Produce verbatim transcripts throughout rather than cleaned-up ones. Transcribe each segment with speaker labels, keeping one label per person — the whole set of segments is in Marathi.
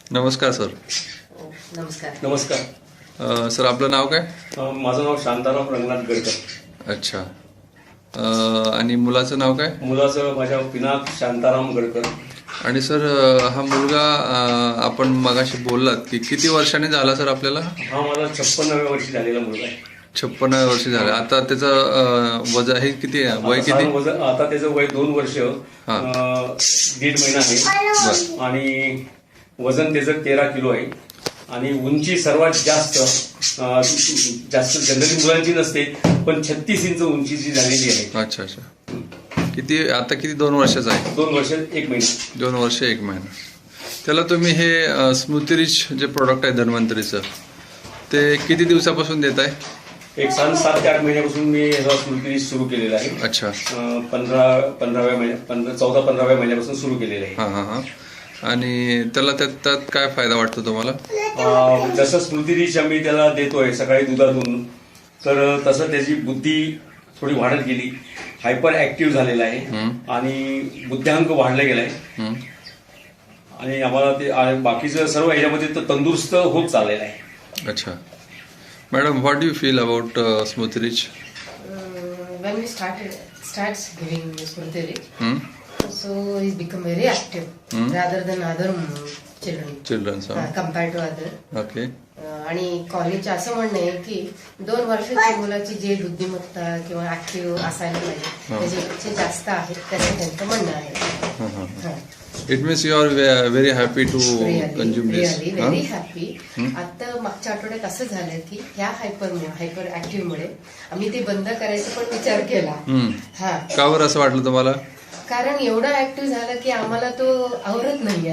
Speaker 1: नमस्कार सर.
Speaker 2: नमस्कार.
Speaker 3: नमस्कार.
Speaker 1: अ, सर आपलं नाव काय?
Speaker 3: अ, माझं नाव शांताराम रंगनाथ गडकर.
Speaker 1: अच्छा. अ, आणि मुलाचं नाव काय?
Speaker 3: मुलाचं माझ्या पिनाक शांताराम गडकर.
Speaker 1: आणि सर अ, हा मुलगा अ, आपण मगाशी बोललात की किती वर्षाने झाला सर आपल्याला?
Speaker 3: हा मला छप्पन्नाव्या वर्षी झालेला मुलगा आहे.
Speaker 1: छप्पन्न वर्ष झाले. आता त्याचं अ, वजन हे किती आहे? वय
Speaker 3: आता
Speaker 1: किती?
Speaker 3: साधारण वजन- आता त्याचं वय दोन वर्ष
Speaker 1: हा.
Speaker 3: अ, दीड महिना आहे आणि वजन त्याचं तेरा किलो आहे आणि उंची सर्वात जास्त अ, जास्त जनरली मुलांची नसते पण छत्तीस इंच उंची जी झालेली आहे.
Speaker 1: अच्छा अच्छा. किती आता किती दोन वर्षाचा आहे?
Speaker 3: दोन वर्ष एक महिना.
Speaker 1: दोन वर्ष एक महिना. त्याला तुम्ही हे अ, स्मृती रिच जे प्रोडक्ट आहे धन्वंतरीचं ते किती दिवसापासून देत आहे?
Speaker 3: एक सात सात ते आठ महिन्यापासून मी ह्याचा स्मृती सुरू केलेला आहे.
Speaker 1: अच्छा.
Speaker 3: अ, पंधरा पंधराव्या महिन्या पंधरा चौदा पंधराव्या महिन्यापासून सुरू केलेलं आहे.
Speaker 1: हां हां हां. आणि त्याला त्यात त्यात काय फायदा वाटतो तुम्हाला?
Speaker 3: अ, जसं स्मृती रिच आम्ही त्याला देतोय सकाळी दुधातून तर तसं त्याची बुद्धी थोडी वाढत गेली. हायपर ऍक्टिव्ह झालेला आहे आणि बुद्ध्यांक वाढला गेलाय
Speaker 1: हं.
Speaker 3: आणि आम्हाला ते आणि बाकीचं सर्व ह्याच्यामध्ये तर तंदुरुस्त होत चाललेलं आहे.
Speaker 1: अच्छा. Madam, what do you feel about Smriti rich?
Speaker 2: Uh, when we started starts giving Smriti Rich,
Speaker 1: हं?
Speaker 2: so he's become very active
Speaker 1: Hmm.
Speaker 2: rather than other um, children
Speaker 1: childrens.
Speaker 2: uh, compared to other.
Speaker 1: Okay.
Speaker 2: Uh, आणि कॉलेजचं असं म्हणणं आहे की दोन वर्षाच्या मुलाची जे बुद्धिमत्ता किंवा ऍक्टिव्ह असायला पाहिजे त्याच्यापेक्षा जास्त आहे त्याचं त्यांचं म्हणणं आहे.
Speaker 1: हां हां.
Speaker 2: हा.
Speaker 1: It means you are very happy to consume this.
Speaker 2: Really very happy. आता मागच्या आठवड्यात असं झालं की ह्या हायपर हायपर ऍक्टिव्ह मुळे आम्ही ते बंद करायचा पण विचार केला. हा.
Speaker 1: का बरं असं वाटलं तुम्हाला?
Speaker 2: कारण एवढा ऍक्टिव्ह झाला की आम्हाला तो आवरत नाहीये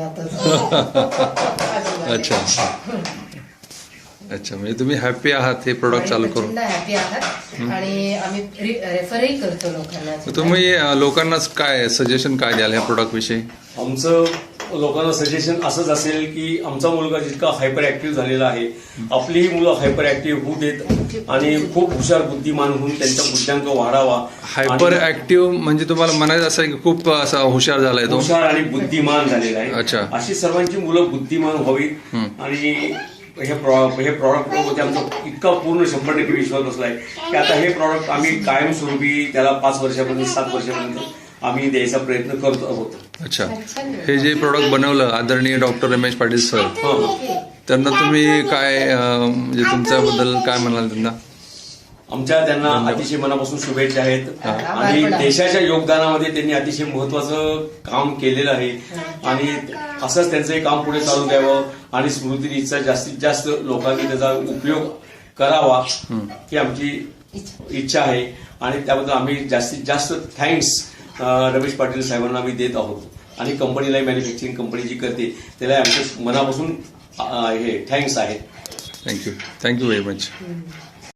Speaker 2: आता.
Speaker 1: अच्छा अच्छा. म्हणजे तुम्ही हॅपी आहात हे प्रोडक्ट चालू करून?
Speaker 2: हॅपी आहात आणि आम्ही रेफरही करतो लोकांना.
Speaker 1: तुम्ही अ, लोकांना काय सजेशन काय द्याल ह्या प्रोडक्ट विषयी?
Speaker 3: आमचं लोकांना सजेशन असंच असेल की आमचा मुलगा जितका हायपर ऍक्टिव्ह झालेला आहे आपलीही मुलं हायपर ऍक्टिव्ह होऊ देत आणि खूप हुशार बुद्धिमान होऊन त्यांचा बुद्ध्यांक वाढावा.
Speaker 1: हायपर ऍक्टिव्ह म्हणजे तुम्हाला म्हणायचं असं आहे की खूप असा हुशार झालाय तो?
Speaker 3: हुशार आणि बुद्धिमान झालेला आहे.
Speaker 1: अच्छा.
Speaker 3: अशी सर्वांची मुलं बुद्धिमान व्हावीत आणि हे प्रॉ- हे प्रॉडक्ट मध्ये आमचा इतका पूर्ण शंभर टक्के विश्वास बसलाय की आता हे प्रॉडक्ट आम्ही कायमस्वरूपी त्याला पाच वर्षापर्यंत सात वर्षापर्यंत आम्ही द्यायचा प्रयत्न करत आहोत.
Speaker 1: अच्छा. हे जे प्रोडक्ट बनवलं आदरणीय डॉक्टर रमेश पाटील सर, त्यांना तुम्ही काय अं, म्हणजे तुमच्याबद्दल काय म्हणाल त्यांना?
Speaker 3: आमच्या त्यांना अतिशय मनापासून शुभेच्छा आहेत आणि देशाच्या योगदानामध्ये त्यांनी अतिशय महत्वाचं काम केलेलं आहे आणि असंच त्यांचं हे काम पुढे चालू द्यावं आणि स्मृती रिचचा जास्तीत जास्त लोकांनी त्याचा उपयोग करावा ही आमची इच्छा आहे आणि त्याबद्दल आम्ही जास्तीत जास्त थँक्स रमेश पाटील साहेबांना आम्ही देत आहोत आणि कंपनीला मॅन्युफॅक्चरिंग कंपनी जी करते त्याला आमच्या मनापासून हे थँक्स आहेत.
Speaker 1: थँक्यू. Thank you very much.